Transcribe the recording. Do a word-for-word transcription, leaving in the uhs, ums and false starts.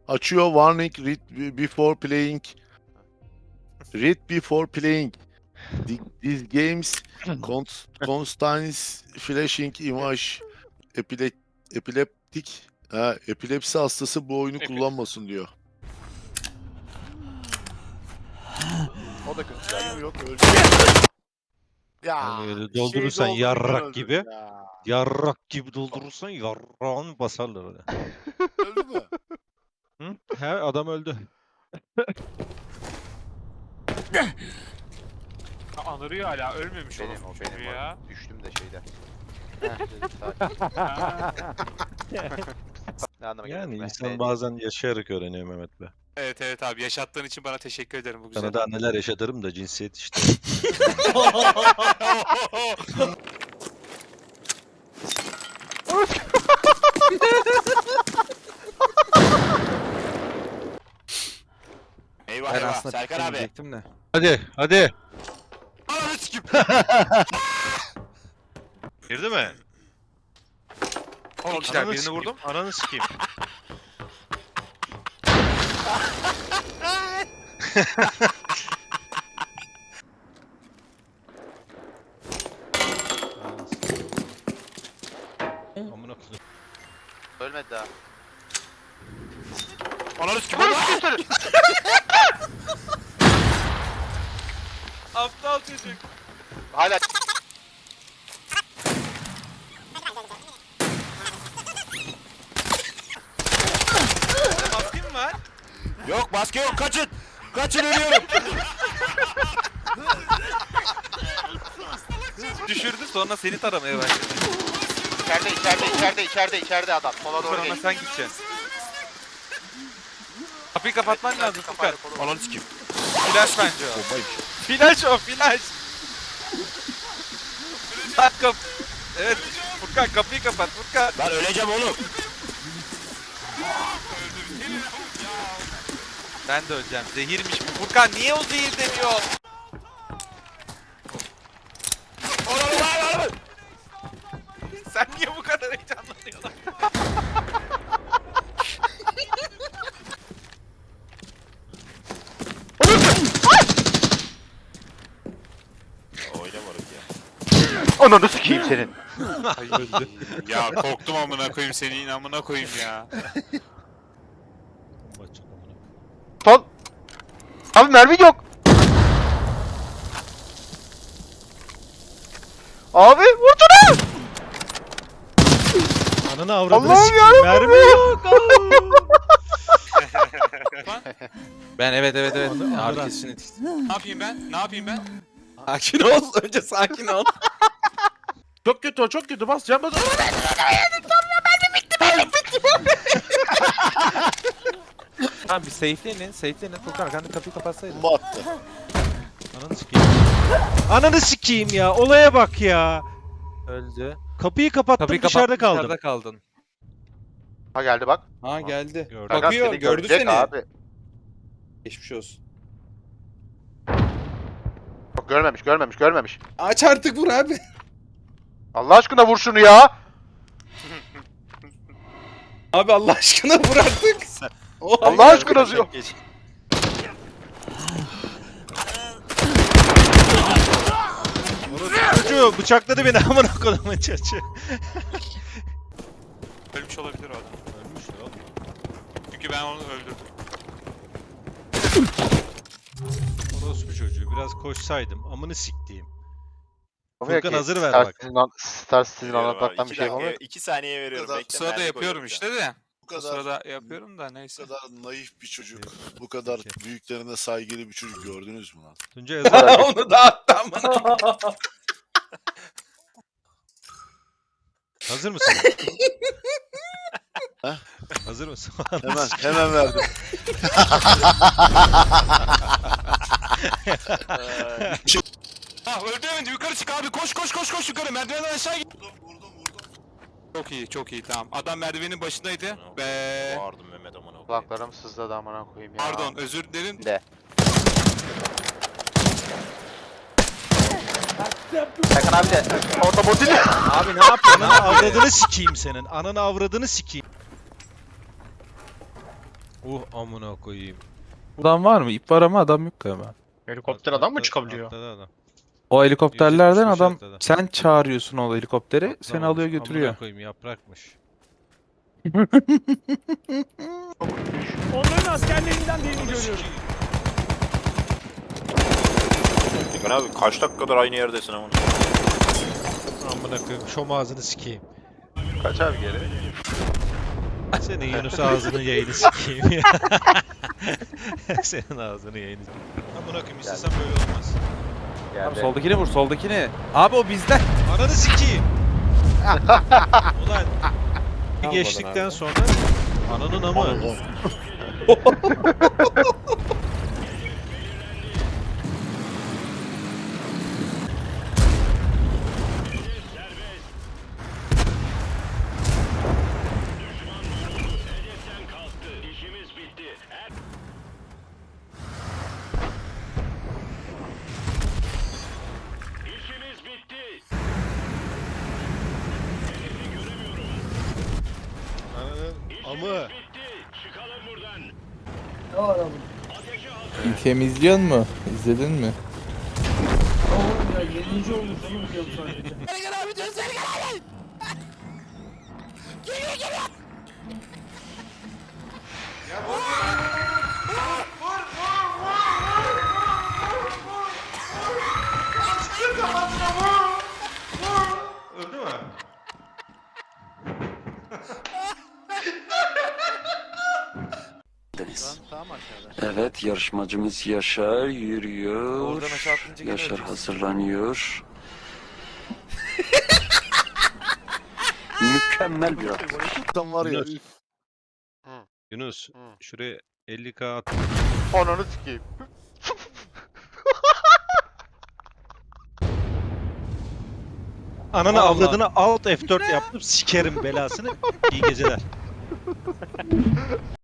Açıyor warning read before playing. Read before playing. The- These games const- contains flashing image. Epile epileptik. Ha, epilepsi hastası bu oyunu Epi- kullanmasın diyor. O da kötü. Canım yok öldü. Yani Ya öyle şey doldurursan doldururken yarrak öldüm gibi. ya. Yarrak gibi doldurursan yarrağını basarlar öyle. Öldü mü? Hı? He adam öldü. Ha, anırıyor hala ölmemiş Benim o orospu benim çocuğu o. ya. Düştüm de şeyde. Heh, dedim, sakin. Ha. Ne anlama Yani geliyor? insan bazen yaşayarak öğreniyor Mehmet Bey. Evet evet abi yaşattığın için bana teşekkür ederim bu güzel. Sana daha neler yaşatırım da cinsiyet işte. Eyvah Ben eyvah aslında Serkan abi. diyecektim de. Hadi hadi. Ananı sikim. Girdi mi? On kişiler Ananı birini sikeyim, vurdum. Ananı sikeyim. Amına koyayım. Ölmedi daha. Ananı sikim. Aptal çocuk. Hala Maskin mi var? Yok maske yok kaçın. Kaçın ölüyorum. Düşürdü sonra seni taramaya başladı. içeride içeride içeride içeride içeride adam. Sola doğru Furkan ona geç. sen gideceksin. Kapıyı kapatman Evet, lazım Furkan. kapağı koru. Ananı sikim. Flash bence o. Bombaymış. Flash o flash. Lan kap. Evet Furkan kapıyı kapat Furkan. Ben öleceğim oğlum. Ben de öleceğim. Zehirmiş bu. Furkan niye o zehir demiyor? Sen niye bu kadar heyecanlanıyorsun? Ananı sikeyim senin. Ya korktum amına koyayım senin amına koyayım ya. Bomba atacak amına koyayım. Son. Abi mermi yok. Abi vurdunuz. Ananı avradını Allah'ım sikeyim. Mermi yok. Ben evet evet evet. Anı- Ağrı anı- kesişini etkisi. Ne yapayım ben? Ne yapayım ben? Sakin ol. Önce sakin ol. Çok kötü o çok kötü bas can bas. Tamam bir safe'leyin. Safe'leyin. Furkan arkanda kapıyı kapatsaydın. Bomba attı. Ananı sikeyim. Ananı sikeyim ya. Olaya bak ya. Öldü. Kapıyı kapattım Kapıyı dışarıda kapattın, kaldım. dışarıda kaldın. Ha geldi bak. Ha geldi. Gördüm. Bak- Fakat Bakıyor, seni gördü görecek seni. abi. Geçmiş olsun. Yok, görmemiş görmemiş görmemiş. Aç artık vur abi. Allah aşkına vur şunu ya. Abi Allah aşkına vur artık. Oha, Allah aşkına diyor. Çocuğu bıçakladı beni amına koyduğumun çocuğu. Ölmüş olabilir o adam. Ölmüş ya oğlum. Çünkü ben onu öldürdüm. Orospu çocuğu biraz koşsaydım amını siktiğim. Olmuyor Furkan ki. hazır ver Star bak. Citizen an- Star Citizen anlatmaktan bir şey yapamıyor. iki saniye veriyorum. kadar- Bekle, Sırada mermi yapıyorum koyuyorum işte de. Bu O kadar sırada yapıyorum da bu neyse. kadar naif bir çocuk, bu kadar büyüklerine saygılı bir çocuk gördünüz mü lan? Tuncay hazır. Onu dağıttı amına. Hazır mısın? Ha? Hazır mısın? Hemen hemen verdim. Ah öldü yukarı çık abi koş koş koş koş yukarı merdivenden aşağı git. Vurdum vurdum vurdum. Çok iyi çok iyi tamam. Adam merdivenin başındaydı. Be. Bağırdım Mehmet amına koyayım. Kulaklarım sızladı amına koyayım ya. Pardon özür dilerim. De. Serkan abi de otomobil. Abi ne yapıyorsun? Ananı avradını sikeyim senin. Ananı avradını sikeyim. Uh amına koyayım. Adam var mı? İp var ama adam yok galiba. Helikopter adam mı Atladı- çıkabiliyor? atladı adam. O helikopterlerden yüz yetmiş adam atladı. sen çağırıyorsun o helikopteri seni Atlamamış. alıyor götürüyor. Amına koyayım yaprakmış. Onların askerlerinden birini görüyorum. Ekin abi kaç dakikadır aynı yerdesin ama. Amına koyayım şom ağzını sikeyim. Kaç abi geri? Senin Yunus ağzının yayını sikeyim ya. Senin ağzını yayını sikeyim. Amına koyayım istesem böyle olmaz. Abi soldakini vur soldakini. Abi o bizden. Ananı sikeyim. Ulan bir geçtikten sonra ananın amı. Ananın amı. Temizliyor mu? İzledin mi? Öldü mü? Evet, yarışmacımız Yaşar yürüyor. Oradan aşağı atınca gene Yaşar öleceksin. hazırlanıyor. Mükemmel bir atış. Tam var ya. Yunus. üf. Yunus Hı. şuraya elli k at. Ananı sikeyim. Ananı Vallahi. avradını alt F dört yaptım sikerim belasını. İyi geceler.